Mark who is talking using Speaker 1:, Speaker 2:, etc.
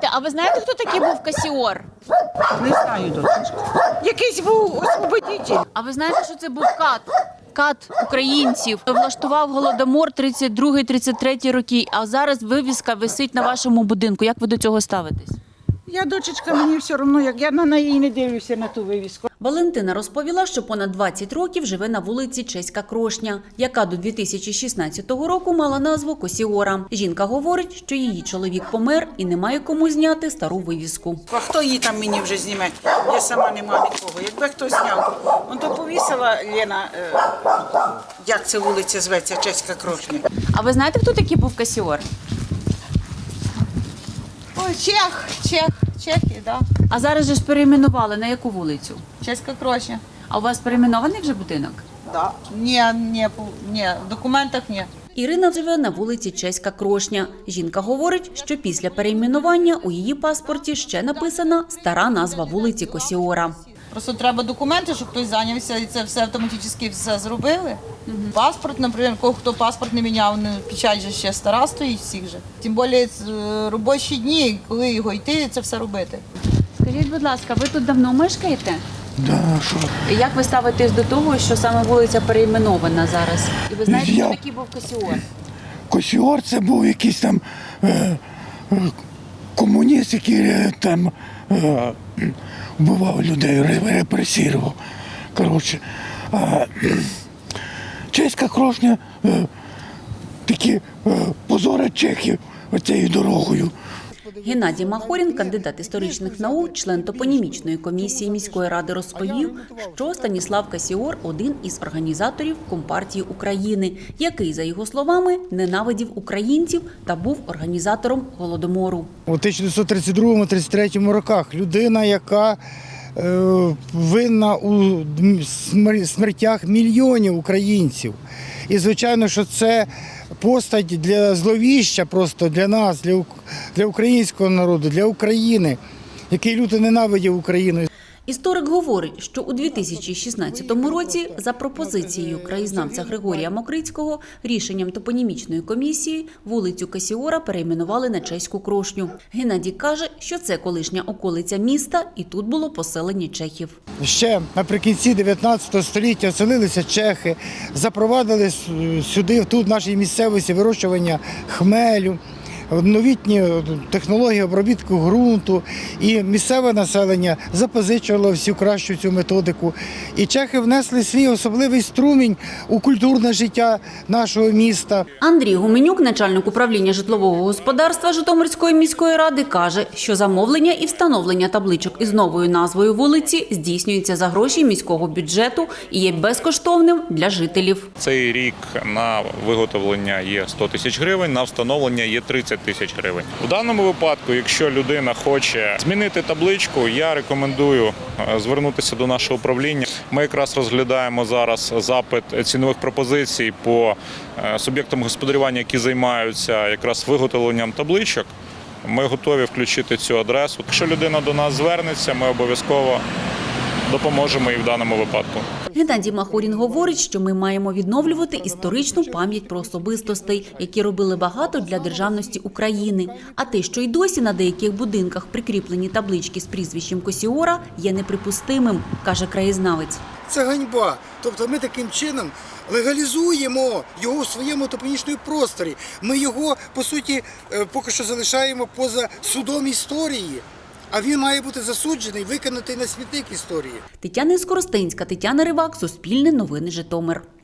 Speaker 1: Слухайте, а ви знаєте, хто такий був Касіор?
Speaker 2: Не знаю, дочечка. Якийсь був освободитель.
Speaker 1: А ви знаєте, що це був кат? Кат українців влаштував голодомор 32-33 роки, а зараз вивіска висить на вашому будинку. Як ви до цього ставитесь?
Speaker 2: Я, дочечка, мені все одно, як я на неї не дивлюся на ту вивіску.
Speaker 3: Валентина розповіла, що понад 20 років живе на вулиці Чеська Крошня, яка до 2016 року мала назву Косіора. Жінка говорить, що її чоловік помер і немає кому зняти стару вивіску.
Speaker 2: А хто її там мені вже зніме? Я сама не маю нікого. Якби хто зняв, он то повісила Лена, як це вулиця зветься, Чеська Крошня.
Speaker 1: А ви знаєте, хто такий був Касіор?
Speaker 4: Ой, Чехи, да.
Speaker 1: А зараз же ж перейменували на яку вулицю?
Speaker 4: Чеська Крошня.
Speaker 1: А у вас перейменований вже будинок?
Speaker 4: Да. Ні, в документах ні.
Speaker 3: Ірина живе на вулиці Чеська Крошня. Жінка говорить, що після перейменування у її паспорті ще написана стара назва вулиці Косіора.
Speaker 4: Просто треба документи, щоб хтось зайнявся і це все автоматично все зробили. Паспорт, наприклад, хто паспорт не міняв, печать же ще стара стоїть всіх же. Тим більше робочі дні, коли його йти, це все робити.
Speaker 1: Скажіть, будь ласка, ви тут давно мешкаєте?
Speaker 5: Да, що?
Speaker 1: Як ви ставитесь до того, що саме вулиця перейменована зараз? І ви знаєте,
Speaker 5: Я-
Speaker 1: хто такий був Касіор?
Speaker 5: Косіор це був якийсь там комуніст, який там вбивав людей, репресував. Коротше, Чеська Крошня такі позорять чехів оцією дорогою.
Speaker 3: Геннадій Махорін, кандидат історичних наук, член топонімічної комісії міської ради, розповів, що Станіслав Касіор – один із організаторів Компартії України, який, за його словами, ненавидів українців та був організатором Голодомору.
Speaker 6: У 1932-33 роках людина, яка винна у смертях мільйонів українців. І, звичайно, що це постать для зловіща просто для нас, для українського народу, для України, який люто ненавидів Україну.
Speaker 3: Історик говорить, що у 2016 році за пропозицією краєзнавця Григорія Мокрицького рішенням топонімічної комісії вулицю Касіора перейменували на Чеську Крошню. Геннадій каже, що це колишня околиця міста і тут було поселення чехів.
Speaker 6: Ще наприкінці 19 століття оселилися чехи, запровадили сюди, тут в нашій місцевості, вирощування хмелю, новітні технології обробітку ґрунту, і місцеве населення запозичувало всю кращу цю методику. І чехи внесли свій особливий струмінь у культурне життя нашого міста.
Speaker 3: Андрій Гуменюк, начальник управління житлового господарства Житомирської міської ради, каже, що замовлення і встановлення табличок із новою назвою вулиці здійснюється за гроші міського бюджету і є безкоштовним для жителів.
Speaker 7: Цей рік на виготовлення є 100 тисяч гривень, на встановлення є 30 тисяч гривень. У даному випадку, якщо людина хоче змінити табличку, я рекомендую звернутися до нашого управління. Ми якраз розглядаємо зараз запит цінових пропозицій по суб'єктам господарювання, які займаються якраз виготовленням табличок. Ми готові включити цю адресу. Якщо людина до нас звернеться, ми обов'язково допоможемо і в даному випадку.
Speaker 3: Геннадій Махорін говорить, що ми маємо відновлювати історичну пам'ять про особистостей, які робили багато для державності України. А те, що й досі на деяких будинках прикріплені таблички з прізвищем Косіора, є неприпустимим, каже краєзнавець.
Speaker 8: Це ганьба. Тобто ми таким чином легалізуємо його у своєму топонічному просторі. Ми його, по суті, поки що залишаємо поза судом історії. А він має бути засуджений, викинутий на смітник історії.
Speaker 3: Тетяна Скоростенська, Тетяна Ривак, Суспільне новини, Житомир.